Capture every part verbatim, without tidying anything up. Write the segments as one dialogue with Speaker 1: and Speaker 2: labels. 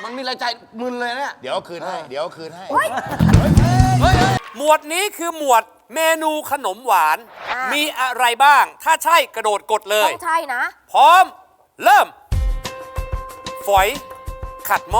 Speaker 1: มันมีรายจ่ายมึนเลยเนี่ย
Speaker 2: เดี๋ยวคืนให้เดี๋ยวคืนให้
Speaker 3: หมวดนี้คือหมวดเมนูขนมหวานมีอะไรบ้างถ้าใช่กระโดดกดเลย
Speaker 4: ต้องใช่นะ
Speaker 3: พร้อมเริ่มฝอยขัดหม้อ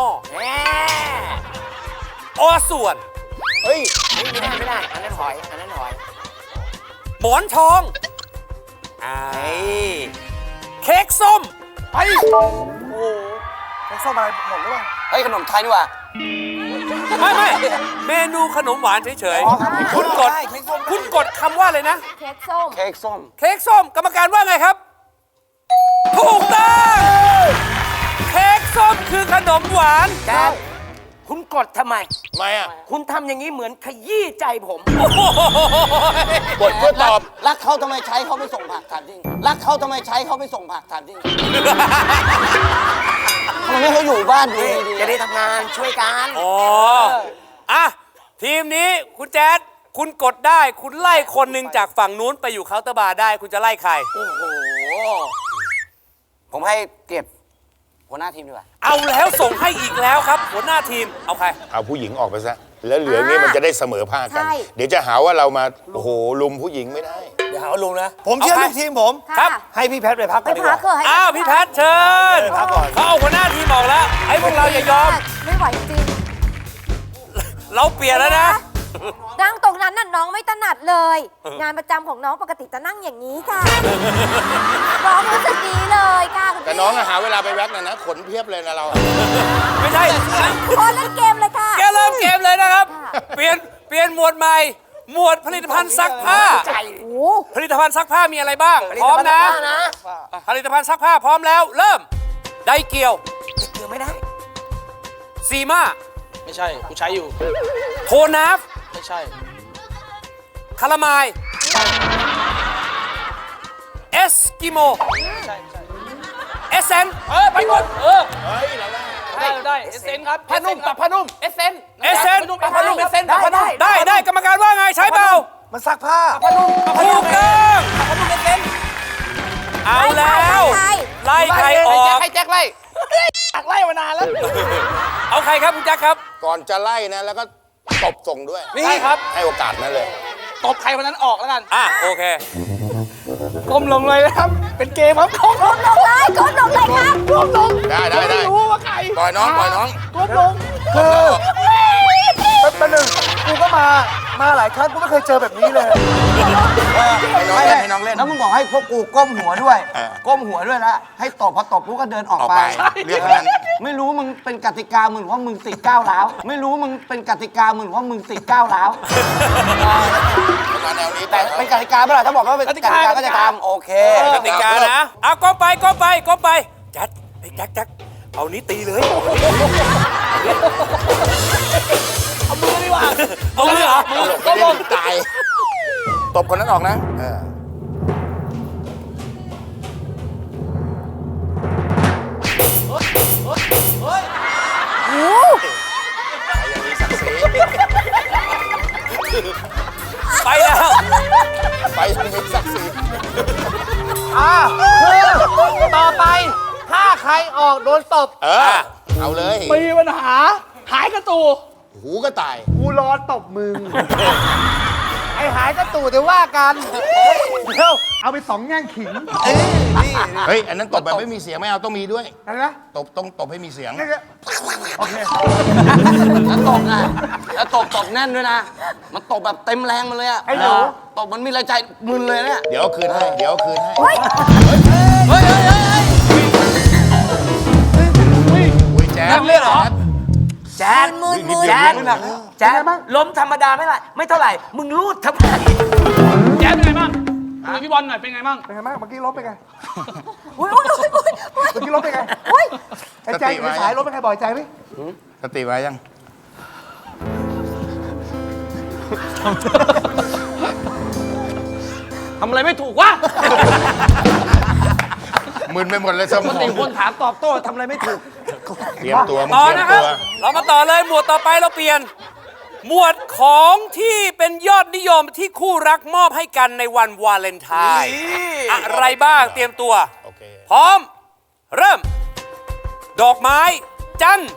Speaker 3: อส่วน
Speaker 1: เฮ้ยไม่ได้ไม่ได้อันนั้นหอยอันนั้นหอย
Speaker 3: หมอนทองอ่าเค้กส้ม
Speaker 1: ไปโอ้โหเค้กส้มอะไรหมดหรือเปล่าเฮ้ยขนมไทยนี่ว่ะ
Speaker 3: ไม่ไม่เมนูขนมหวานเฉยๆคุณกดคุณกดคำว่าเลยนะ
Speaker 4: เค้กส้ม
Speaker 1: เค้กส้ม
Speaker 3: เค้กส้มกรรมการว่าไงครับถูกต้องเค้กส้มคือขนมหวาน
Speaker 1: แกคุณกดทำไม
Speaker 2: ทำไมอ่ะ
Speaker 1: คุณทำอย่างนี้เหมือนขยี้ใจผม
Speaker 2: กดเพื่อตอบ
Speaker 1: รักเขาทำไมใช้เขาไม่ส่งผักถามจริงรักเขาทำไมใช้เขาไม่ส่งผักถามจริงทำไมไม่เขาอยู่บ้านดีจะได้ทำงานช่วยกัน
Speaker 3: อ๋ออ่ะทีมนี้คุณแจ๊ดคุณกดได้คุณไล่คนหนึ่งจากฝั่งนู้นไปอยู่เคาน์เตอร์บาร์ได้คุณจะไล่ใคร
Speaker 1: โอ้โหผมให้เกียรติหัวหน้าทีมดีกว่า
Speaker 3: เอาแล้วส่งให้อีกแล้วครับหัวหน้าทีมเอาใคร
Speaker 2: เอาผู้หญิงออกไปซะแล้วเหลือนี้มันจะได้เสมอภาคกันเดี๋ยวจะหาว่าเรามาโอ้โหลุมผู้หญิงไม่ได้
Speaker 1: เดี๋ยวหาว่าลุมนะ
Speaker 5: ผมเชื่อลูกทีมผม
Speaker 3: ครับ
Speaker 5: ให้พี่แพทย์ไปพักก่อนดีกว่า
Speaker 3: อ้าวพี่แพทย์เชิญ
Speaker 5: พักก่อน
Speaker 3: เขาเอาหัวหน้าทีมออกแล้วไอ้พวกเราอย่ายอม
Speaker 4: ไม่ไหวจริง
Speaker 3: เราเปลี่ยนแล้วนะ
Speaker 4: นั่งตรงนั้นน่ะน้องไม่ถนัดเลยงานประจำของน้องปกติจะนั่งอย่างนี้ค่ะน้องรู้สึกดีเลยค่ะ
Speaker 2: แต่น้องหาเวลาไปแว็กนะนะขนเพียบเลยนะเรา
Speaker 3: ไม่ใช่
Speaker 4: พอเล่นเกมเลยค่ะ
Speaker 3: แกเริ่มเกมเลยนะครับเปลี่ยนเปลี่ยนหมวดใหม่หมวดผลิตภัณฑ์ซักผ้าผลิตภัณฑ์ซักผ้ามีอะไรบ้างพร้อมนะผลิตภัณฑ์ซักผ้าพร้อมแล้วเริ่มไดเกียว
Speaker 1: ไดเกียวไม่ได้
Speaker 3: ซีมา
Speaker 5: ไม่ใช่กูใช้อยู่
Speaker 3: โทนาฟ
Speaker 5: ไม่ใช่
Speaker 3: คาราไมล์เอสกิโม
Speaker 5: ใช่ใช่
Speaker 3: เอสเซน
Speaker 5: เออไปกดเออเฮ้ยเราได้ได้เอสเซนครับ
Speaker 3: ผ้านุ่มปรับผ้านุ่ม
Speaker 5: เอสเซน
Speaker 3: เอสเซน
Speaker 5: ปรับผ้านุ่มเอสเซนปรับผ้านุ่ม
Speaker 3: ได้ได้กรรมการว่าไงใช้เปล่า
Speaker 5: มันซักผ้า
Speaker 3: ผ้านุ่มถูกต้อง
Speaker 5: ผ้านุ่มเอสเซน
Speaker 3: เอาแล้วไล่ใครออก
Speaker 5: ให้แจ็คไล่ตักไล่มานานแล้ว
Speaker 3: เอาใครครับคุณแจ็คครับ
Speaker 2: ก่อนจะไล่นะแล้วก็ตบส่งด้วย
Speaker 5: นี่ครับ
Speaker 2: ให้โอกาสนั่นเลย
Speaker 5: ตบใครวันนั้นออกแล้วกัน
Speaker 3: อ่ะโอเค
Speaker 5: ก้มลงเลยนะครับเป็นเกมครับก้ม
Speaker 4: ลงเลยก้มลงเลยครับ
Speaker 5: ก้มลง
Speaker 2: ได้ได้ได้
Speaker 5: รู้ว่าใคร
Speaker 2: ปล่อยน้องปล่อยน้อง
Speaker 5: ก้มลงคือเป็นหนึ่งกูก็มามาหลายครั้งกูไม่เคยเจอแบบนี้เลย
Speaker 2: ให้น้องเล่นให้น้องเล่น
Speaker 1: แล้วมึงบอกให้พวกกูก้มหัวด้วยก้มหัวด้วยนะให้ตบพอตบกูก็เดินออกไป
Speaker 2: เรียกนั้น
Speaker 1: ไม่รู้มึงเป็นกติกามึงเพราะมึงติดก้าวร้าวไม่รู้มึงเป็นกติกามึงเพราะมึงติดก้าวร้าว
Speaker 2: มาแนวนี้
Speaker 1: แต่เป็นกติกาเมื่อไหร่ถ้าบอกว่าเป็นกติกาก็จะทำโอเค
Speaker 3: กติกานะเอาก้มไปก้มไปก้มไปแจ็คไอ้แจ็คแจ็คเอานี้ตีเลย
Speaker 5: เอามือดีกว่า
Speaker 3: เอามือเหรอมือ
Speaker 2: ก็ลงตายตบคนนั้นออกนะเออ
Speaker 3: ไปแล้ว
Speaker 2: ไปทางนี้ศักดิ์ศรี
Speaker 5: อ่าคือต่อไปถ้าใครออกโดนตบ
Speaker 2: เออเอาเลย
Speaker 5: มีปัญหาหายกระตู
Speaker 2: หูก็ตาย
Speaker 5: กูรอตบมึงไอหายกระตูเดี๋ยวว่ากันเดี๋ยวเอาไปสองแง่งขิง
Speaker 2: เฮ้ยอันนั้นตบแบบไม่มีเสียงไม่เอาต้องมีด้วย
Speaker 5: อะไรนะ
Speaker 2: ตบต้องตบให้มีเสียง
Speaker 5: โอเค
Speaker 1: แล้วตบนะแล้วตบตบแน่นด้วยนะมันตบแบบเต็มแรงมาเลยอะ
Speaker 5: ไอ้หนู
Speaker 1: ตบมันมีรายจ่ายมึนเลยเนี่ย
Speaker 2: เดี๋ยวคืนให้เดี๋ยวคืนให้
Speaker 4: เฮ้ย
Speaker 1: เฮ้ยเฮ้ย
Speaker 2: เฮ้ยแจ๊ด
Speaker 1: เล่นเหรอแจ๊ด
Speaker 4: มือมือ
Speaker 1: แจ๊ดแจ๊ดล้มธรรมดาไม่ไรไม่เท่าไหร่มึงรูดทำไม
Speaker 5: แจ๊ดเป็นไงบ้างคุยพี่บอลหน่อยเป็นไงบ้างเป็นไงบ้างเมื่อกี้ล้มเป็นไง
Speaker 4: อุ้ยอุ้ยอุ้ย
Speaker 5: เมื่อกี้ล้มเป็นไงอุ้ยไอ้แจ๊ดสายล้มเป็นไงบ่อยใจไหม
Speaker 2: สติไว้ยัง
Speaker 5: ทำอะไรไม่ถูกวะ
Speaker 2: มึนไปหมดเลยสมอง
Speaker 5: ติคนถามตอบโต้ทำอะไรไม่ถูก
Speaker 2: เตรียมตัว
Speaker 3: ต่อนะครับเรามาต่อเลยหมวดต่อไปเราเปลี่ยนหมวดของที่เป็นยอดนิยมที่คู่รักมอบให้กันในวันวาเลนไทน์อะไรบ้างเตรียมตัวพร้อมเริ่มดอกไม้จันทร์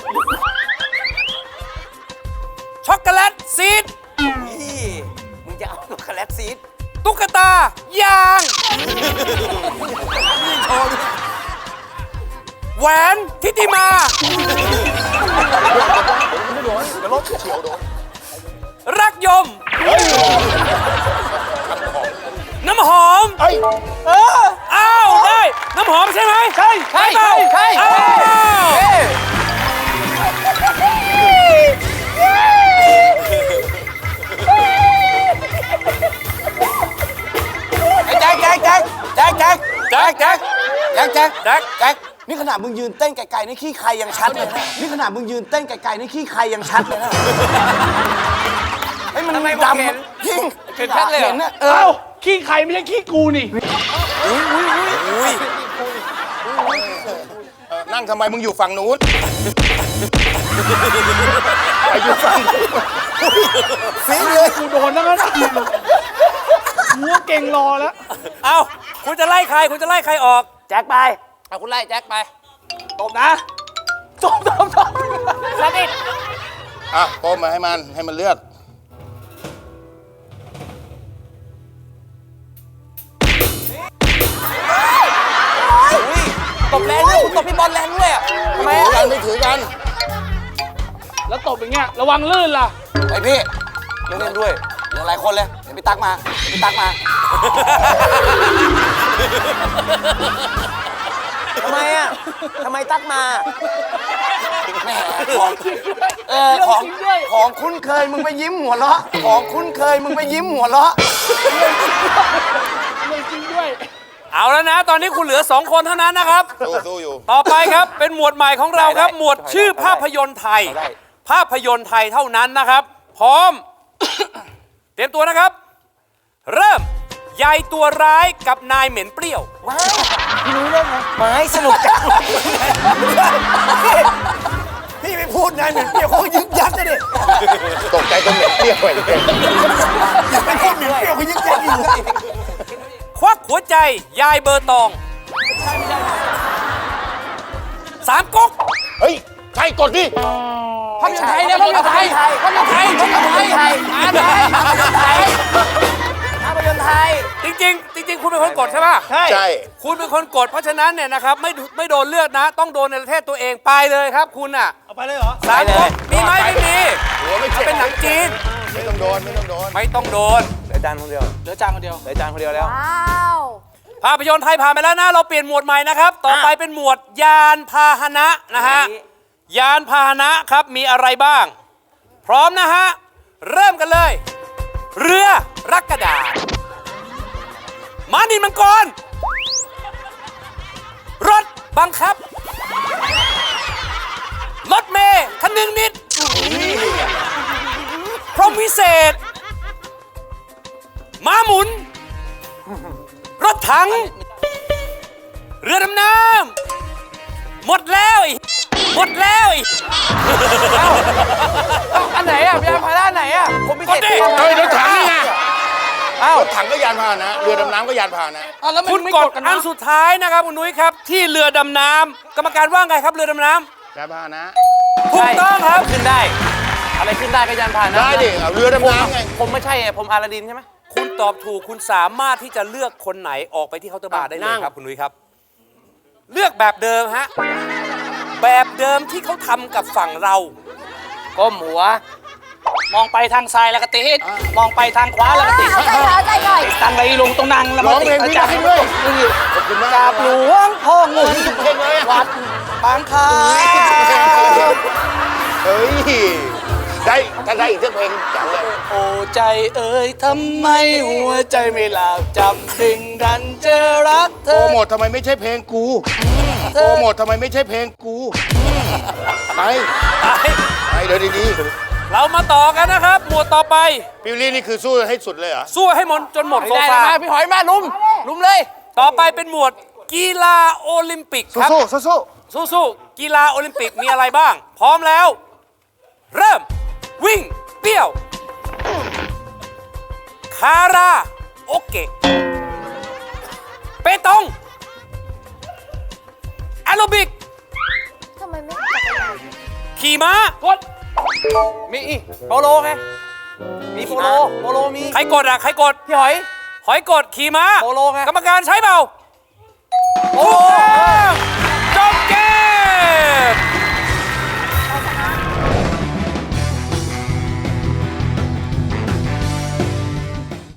Speaker 3: ช็อกโกแลตซีด
Speaker 6: นี่มึงจะเอาช็อกโกแลตซีด
Speaker 3: ตุ๊กตายาง แหวนทิติมา รักยม น้ำหอม
Speaker 2: เฮ้ย
Speaker 3: อ้าว ได้ น้ำหอมใช่ไหม
Speaker 5: ใช่
Speaker 3: ใช่เปล่า
Speaker 6: ใช่
Speaker 3: อ้าว
Speaker 1: แจ็คแจ็คแจ็คแจ็คแจ็ค
Speaker 3: แจ็คแจ็ค
Speaker 1: แจ็คแจ็ค
Speaker 3: แจ็ค
Speaker 1: แจ็คนี่ขนาดมึงยืนเต้นไกลๆนี่ขี้ใครยังชัดเลยนะนี่ขนาดมึงยืนเต้นไกลๆนี่ขี้ใครยังชัดเลยนะไอ้ยมัน
Speaker 6: ทำไม
Speaker 1: ด
Speaker 6: เห็น
Speaker 1: ำยิ่ง
Speaker 6: เห็นชัดเลยเหรอ
Speaker 1: ห็นนะเอ
Speaker 5: เอ้า
Speaker 1: อ
Speaker 5: ขี้ใครไม่ใช่ขี้กูนี่
Speaker 2: เออนั่งทำไมมึงอยู่ฝั่งนู้นไปอยู่ฝั่งนู้น
Speaker 5: ฟีเลย กูโดนแล้วนะหัวเก่งรอแล้ว
Speaker 3: เอาคุณจะไล่ใคร คุณจะไล่ใครออก
Speaker 6: แจ็คไปเอาคุณไล่แจ็คไป
Speaker 5: ตบนะตบตบตบ
Speaker 6: สนิท
Speaker 2: อ่ะโป้มาให้มันให้มันเลือก
Speaker 6: ตบแรงด้วยคุณตบพี่บอลแรงด้วยอะทำไม
Speaker 2: ถือ
Speaker 6: อะ
Speaker 2: กันไม่ถือกัน
Speaker 5: แล้วตบอย่างเงี้ย ระวังลื่นล่ะ
Speaker 1: ไอพี่เล่นเล่นด้วยเหลือหลายคนเลยเดี๋ยวพี่ตั๊กมาเดี๋ยวพี่ตั๊กมา
Speaker 6: ทำไมอะทำไมตักมา
Speaker 1: แหมของเออของ
Speaker 5: จริงด้วย
Speaker 1: ของคุ้นเคยมึงไปยิ้มหัวเราะของคุ้นเคยมึงไปยิ้มหัวเราะ
Speaker 5: ไม่จริงด้วย
Speaker 3: เอาแล้วนะ ตอนนี้คุณเหลือสองคนเท่านั้นนะครับ
Speaker 2: สู้สู้อยู่
Speaker 3: ต่อไปครับ เป็นหมวดใหม่ของเราครับ หมวดชื่อภาพยนตร์ไทย ภาพยนตร์ไทยเท่านั้นนะครับ พร้อม เตรียมตัวนะครับ เริ่มยายตัวร้ายกับนายเหม็นเปรี้ยว
Speaker 6: ว้าวพี่รู้เรื่องไหมไม้สนุกจัง
Speaker 1: พี่ไม่พูดนายเหมือนเปรี้ยวเขายึกยักเลยดิ
Speaker 2: ตกใจจนเหม็นเปรี้ยวไปเลย
Speaker 1: ไม่พูดเหมือนเปรี้ยวเขายึกยักอยู่
Speaker 3: ควักหัวใจยายเบอร์ตอง สามก๊ก
Speaker 2: เฮ้ย ใช่กดดิ
Speaker 6: ภาพยนตร์ไทยเนี่ยภาพยนตร์ไทยภาพยนตร์ไทยภาพยนตร์ไทยภาพยนตร์ไทยภาพยนตร์ไทยภาพยนตร์ไทย
Speaker 3: จริงๆ จริง ๆ คุณเป็นคนกดใช่ปะ
Speaker 2: ใช่
Speaker 3: คุณเป็นคนกด เพราะฉะนั้นเนี่ยนะครับไม่ไม่โดนเลือกนะ ต้องโดนในประเทศตัวเองไปเลยครับ คุณอ่ะ
Speaker 5: เอาไปเลยเหรอ
Speaker 3: สามก๊กมีไหมไม่มี
Speaker 2: หัวไม่เจ็บ
Speaker 3: เป็นหนังจีน
Speaker 2: ไม่ต้องโดนไม่ต้องโดน
Speaker 3: ไม่ต้องโดน
Speaker 6: เหลือจานคนเดียว
Speaker 5: เหลือจานคนเดียว
Speaker 6: เหลือจานคนเดียวแล้ว
Speaker 4: ว้าว
Speaker 3: ภาพยนตร์ไทยผ่านไปแล้วนะ เราเปลี่ยนหมวดใหม่นะครับ ต่อไปเป็นหมวดยานพาหนะนะฮะ ยานพาหนะครับมีอะไรบ้าง พร้อมนะฮะ เริ่มกันเลย เรือรักกระดาษม้านินมังกร รถบังคับ รถเมย์คันหนึ่งนิด พรหมวิเศษ ม้าหมุน รถถัง เรือดำน้ำหมดแล้วไอ้หมดแล้วไอ้
Speaker 6: อันไหนอ่ะยานพาหนะอันไหนอ่ะผมพิเศษ
Speaker 3: กดดิ
Speaker 2: เฮ้ยรถถังนี่ไง
Speaker 6: อ้าว
Speaker 2: รถถังก็ยานพาหนะ เรือดำน้ำก็ยานพาหนะ
Speaker 6: แล้วมัน
Speaker 3: คุณ
Speaker 6: ไม่
Speaker 3: ก
Speaker 6: ก
Speaker 3: ด
Speaker 6: ดกัน
Speaker 3: อั
Speaker 6: นะ
Speaker 3: นสุดท้ายนะครับคุณนุ้ยครับ ที่เรือดำน้ำกรรมการว่าไงครับเรือดำน้
Speaker 2: ยานพาหนะ
Speaker 3: ำถูกต้องครับ
Speaker 6: ขึ้นได้ อะไรขึ้นได้ก็ยานพาหนะ
Speaker 2: ได้ดิเอาเรือดำน้ำไง
Speaker 6: ผมไม่ใช่ไงผมอาลาดินใช่ไหม
Speaker 3: คุณตอบถูกคุณสามารถที่จะเลือกคนไหนออกไปที่เคาน์เตอร์บาร์ได้เลย
Speaker 6: นั่ง
Speaker 3: ครับคุณนุ้ยครับ เลือกแบบเดิมฮะแบบเดิมที่เขาทำกับฝั่งเรา
Speaker 6: ก้มหัว
Speaker 5: มองไปทางซ้ายแล้วก็ติดมองไปทางขวาแล้วก็ติด
Speaker 4: เอาใจหน่อยเอาใจหน่อย
Speaker 5: ตั้งไรลงตรงนั่งแล้ว
Speaker 2: ร้
Speaker 5: มา
Speaker 2: อง
Speaker 5: ติ
Speaker 2: เพล
Speaker 5: ด
Speaker 2: ง
Speaker 5: อา
Speaker 2: นี้
Speaker 5: จาร
Speaker 2: ได้
Speaker 5: ย์
Speaker 2: ด้วยขอบคุณมาก
Speaker 5: กราบหลวงพ่อเงิน
Speaker 2: เพลงเลยอะ
Speaker 5: วัดบางคา
Speaker 2: เฮ้ย ได้ถ้าได้อีกสักเพลงจังเลย
Speaker 5: โอ้ใจเอ่ยทำไมหัวใจไม่หลับจำดึงดันเจอรักเธ
Speaker 2: โปร
Speaker 5: อ
Speaker 2: โมททำไมไม่ใช่เพลงกู โปรโมททำไมไม่ใช่เพลงกู ไป ไปเดี๋ยวดี
Speaker 3: เรามาต่อกันนะครับ หมวดต่อไป
Speaker 2: ๆปิวลี่นี่คือสู้ให้สุดเลยเหรอ
Speaker 3: สู้ให้หมดจนหมดโซ
Speaker 6: ได้
Speaker 3: ฟา
Speaker 6: มาพี่หอยมาลุมลุมเลย
Speaker 3: ต่อไปเป็นหมวดกีฬาโอลิมปิกครับ
Speaker 2: สู้สู้สู้
Speaker 3: สู้ๆกีฬาโอลิมปิกมีอะไรบ้าง พร้อมแล้ว เริ่ม วิ่ง เปี้ยว คาราโอเกะ เปตอง แอโรบิก
Speaker 4: ทำไมไม่จักร
Speaker 3: ขี่ม้าก
Speaker 6: ด มีอีโปโลไง มีโปโล โปโลมี
Speaker 3: ใครกดอ่ะ ใครกด
Speaker 6: พี่หอย
Speaker 3: หอยกดขี่ม้า
Speaker 6: โปโลไง
Speaker 3: กรรมการใช้เปล่า
Speaker 6: โปโล
Speaker 3: ถูกต้อง